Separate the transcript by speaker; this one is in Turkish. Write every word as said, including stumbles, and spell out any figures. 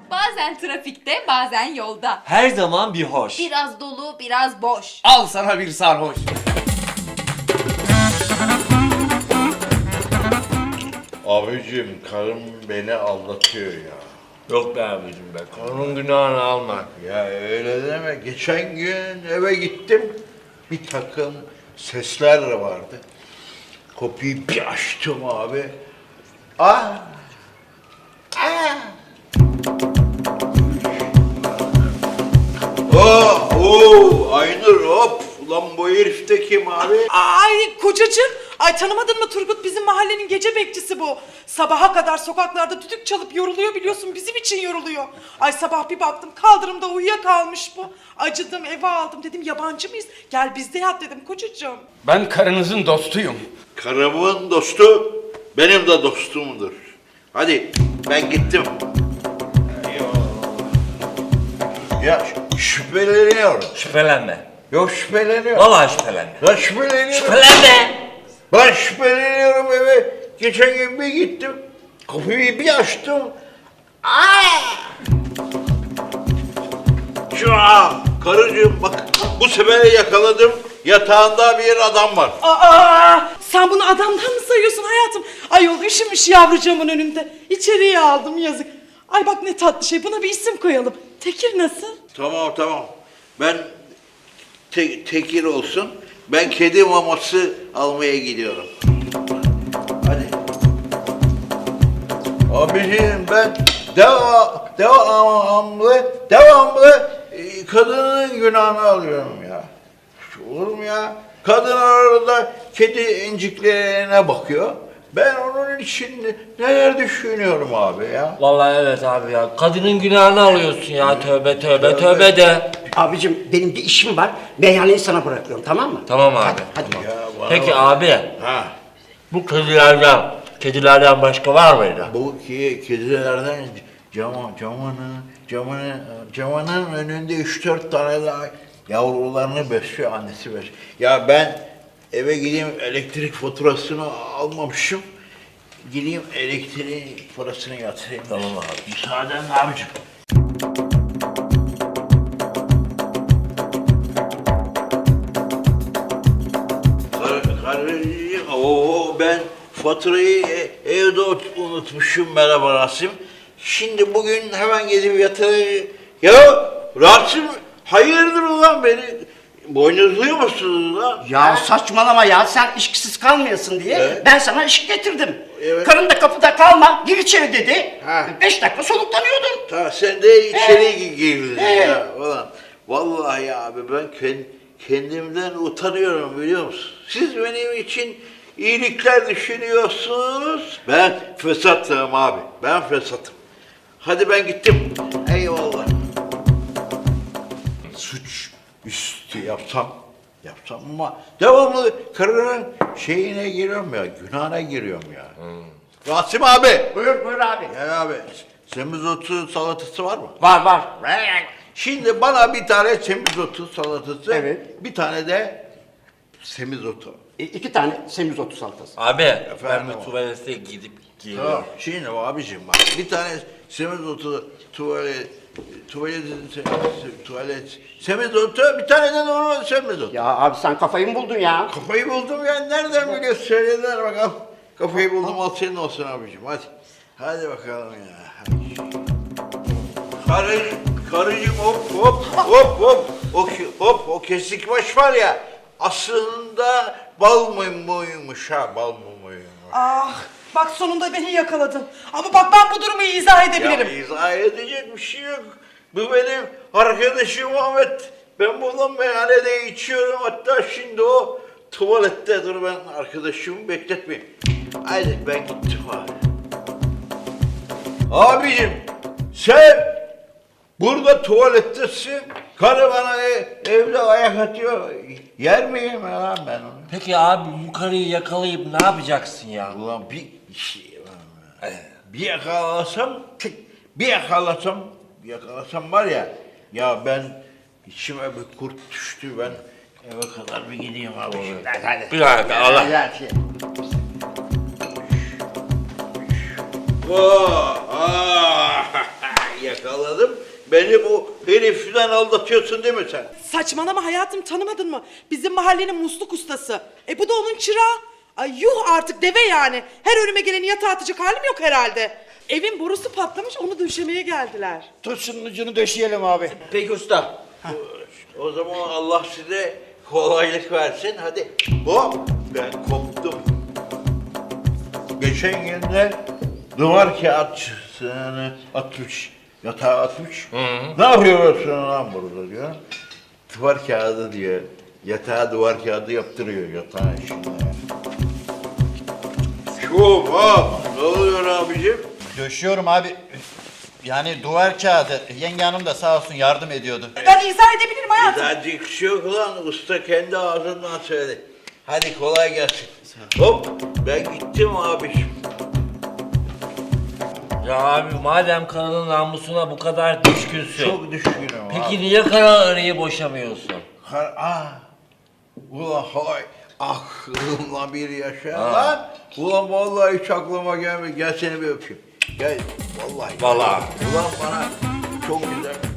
Speaker 1: Bazen trafikte, bazen yolda.
Speaker 2: Her zaman bir hoş.
Speaker 1: Biraz dolu, biraz boş.
Speaker 3: Al sana bir sarhoş.
Speaker 4: Abicim karım beni aldatıyor ya.
Speaker 3: Yok be abicim be, karının günahını alma.
Speaker 4: Ya öyle deme. Geçen gün eve gittim. Bir takım sesler vardı. Kapıyı bir açtım abi. Ah! Ah! Oh, oh, Aynur hop. Ulan bu herif de kim abi?
Speaker 5: Ay kocacığım, ay tanımadın mı Turgut, bizim mahallenin gece bekçisi bu. Sabaha kadar sokaklarda düdük çalıp yoruluyor, biliyorsun bizim için yoruluyor. Ay sabah bir baktım kaldırımda uyuyakalmış bu. Acıdım, eve aldım, dedim yabancı mıyız? Gel bizde yat dedim kocacığım.
Speaker 3: Ben karınızın dostuyum.
Speaker 4: Karımın dostu benim de dostumdur. Hadi ben gittim. Ya şüpheleniyorum.
Speaker 3: Şüphelenme.
Speaker 4: Yok şüpheleniyorum.
Speaker 3: Vallahi şüphelenme.
Speaker 4: Ben şüpheleniyorum.
Speaker 3: Şüphelenme.
Speaker 4: Ben şüpheleniyorum eve. Geçen gün bir gittim. Kapıyı bir açtım. Aa! Şu an karıcığım bak bu sefer yakaladım. Yatağında bir adam var.
Speaker 5: Aa, sen bunu adamdan mı sayıyorsun hayatım? Ayol üşümüş yavrucağımın önünde. İçeriye aldım, yazık. Ay bak ne tatlı şey, buna bir isim koyalım. Tekir nasıl?
Speaker 4: Tamam tamam. Ben te- tekir olsun. Ben kedi maması almaya gidiyorum. Hadi. Abiciğim ben deva, devamlı, devamlı e, kadının günahını alıyorum ya. Olur mu ya? Kadın arada kedi inciklerine bakıyor. Ben onun için neler düşünüyorum abi ya.
Speaker 3: Vallahi evet abi ya. Kadının günahını alıyorsun ya. Tövbe tövbe tövbe de.
Speaker 6: Abicim benim bir işim var. Meyhaneyi sana bırakıyorum, tamam mı?
Speaker 3: Tamam abi.
Speaker 6: Hadi, hadi bakalım.
Speaker 4: Ya bana
Speaker 3: Peki
Speaker 4: bak.
Speaker 3: abi,
Speaker 4: Ha.
Speaker 3: bu kedilerden, kedilerden başka var mıydı?
Speaker 4: Bu ki kedilerden cama, camanın, camanın, camanın önünde üç dört tane daha yavrularını besliyor, annesi besliyor. Ya ben eve gideyim elektrik faturasını almamışım. Gideyim elektriğin parasını yatırayım.
Speaker 3: Tamam abi.
Speaker 4: Müsaaden abicim. Kar, karıcığım, oo ben faturayı e- evde ot- unutmuşum merhaba Rasim. Şimdi bugün hemen gidip yatırayım. Ya Rasim hayırdır ulan beni boynuzluyor musunuz lan?
Speaker 6: Ya saçmalama ya, sen işsiz kalmayasın diye
Speaker 4: Evet.
Speaker 6: ben sana iş getirdim.
Speaker 4: Evet.
Speaker 6: Karın da kapıda kalma, gir içeri dedi.
Speaker 4: Ha.
Speaker 6: Beş dakika soluklanıyordun.
Speaker 4: Ta sen de içeri girdin
Speaker 6: He.
Speaker 4: ya ulan. Vallahi abi ben kend- kendimden utanıyorum biliyor musun? Siz benim için iyilikler düşünüyorsunuz. Ben fesatım abi. Ben fesatım. Hadi ben gittim. Eyvallah. Suç üstü yapsam, yapsam ama devamlı karının şeyine giriyorum ya, günahına giriyorum ya. Rasim abi.
Speaker 6: Buyur buyur abi.
Speaker 4: Ya abi, semizotu salatası var mı?
Speaker 6: Var var.
Speaker 4: Şimdi bana bir tane semizotu salatası,
Speaker 6: Evet.
Speaker 4: bir tane de semizotu.
Speaker 6: E, iki tane semizotu salatası.
Speaker 3: Abi, ben
Speaker 4: Efendim
Speaker 3: bir
Speaker 4: abi.
Speaker 3: tuvalete gidip geliyorum.
Speaker 4: Tamam. Şimdi abicim bak, bir tane semizotu tuvalet, tuvalet, tuvalet, semizotu, bir tane de normal semizotu.
Speaker 6: Ya abi sen kafayı mı buldun ya?
Speaker 4: Kafayı buldum ya, nereden biliyorsun? Söylediler bakalım. Kafayı buldum, al senin olsun abicim, hadi. Hadi bakalım ya. Hadi. Karı, karıcığım hop hop hop hop. O, ki- hop o kesik baş var ya, aslında bal mı muymuş ha, bal mı muymuş?
Speaker 5: Ah, bak sonunda beni yakaladın. Ama bak ben bu durumu izah edebilirim.
Speaker 4: Ya izah edecek bir şey yok. Bu benim arkadaşım Ahmet. Ben bununla meyhanede içiyorum. Hatta şimdi o tuvalette. Dur ben arkadaşımı bekletmeyeyim. Haydi ben gittim abi. Abicim sen burada tuvalettesin. Karı bana e- evde ayak atıyor. Yer miyim ya lan ben onu?
Speaker 3: Peki abi, bu karıyı yakalayıp ne yapacaksın ya?
Speaker 4: Ulan bir şey bir yakalasam bir yakalasam bir yakalasam var ya ya ben içime bir kurt düştü ben eve kadar bir gideyim abi. Hadi, hadi.
Speaker 3: Bir dakika, Allah.
Speaker 4: Hadi, hadi. Oh, ah, yakaladım. Beni bu herifden aldatıyorsun değil mi sen?
Speaker 5: Saçmalama hayatım, tanımadın mı? Bizim mahallenin musluk ustası. E bu da onun çırağı. Ay yuh artık, deve yani. Her önüme geleni yatağa atacak halim yok herhalde. Evin borusu patlamış, onu döşemeye geldiler.
Speaker 2: Tut şunun ucunu döşeyelim abi.
Speaker 6: Peki usta.
Speaker 4: O zaman Allah size kolaylık versin. Hadi. Hop, ben koptum. Geçen günde duvar kağıtçısını atmış, yatağa atmış. Ne yapıyorsun lan burada diyor. Duvar kağıdı diyor. Yatağa duvar kağıdı yaptırıyor yatağın içinde. Şup hop. Ne oluyor abicim?
Speaker 2: Döşüyorum abi. Yani duvar kağıdı. Yenge hanım da sağ olsun yardım ediyordu.
Speaker 5: Ben izah edebilirim hayatım.
Speaker 4: Birazcık şey yok lan. Usta kendi ağzından söyledi. Hadi kolay gelsin. Hop. Ben gittim abiciğim.
Speaker 3: Ya abi madem karının namusuna bu kadar düşkünsün.
Speaker 4: Çok düşkünüm
Speaker 3: Peki
Speaker 4: abi.
Speaker 3: niye kararıyı boşamıyorsun?
Speaker 4: Kar ah. Ulan hay. Aklımla bir yaşa
Speaker 3: Ha.
Speaker 4: lan. Ulan vallahi hiç aklıma gelmedi. Gel seni bir öpeyim. Gel. Vallahi.
Speaker 3: Vallahi.
Speaker 4: Ulan bana çok güzel.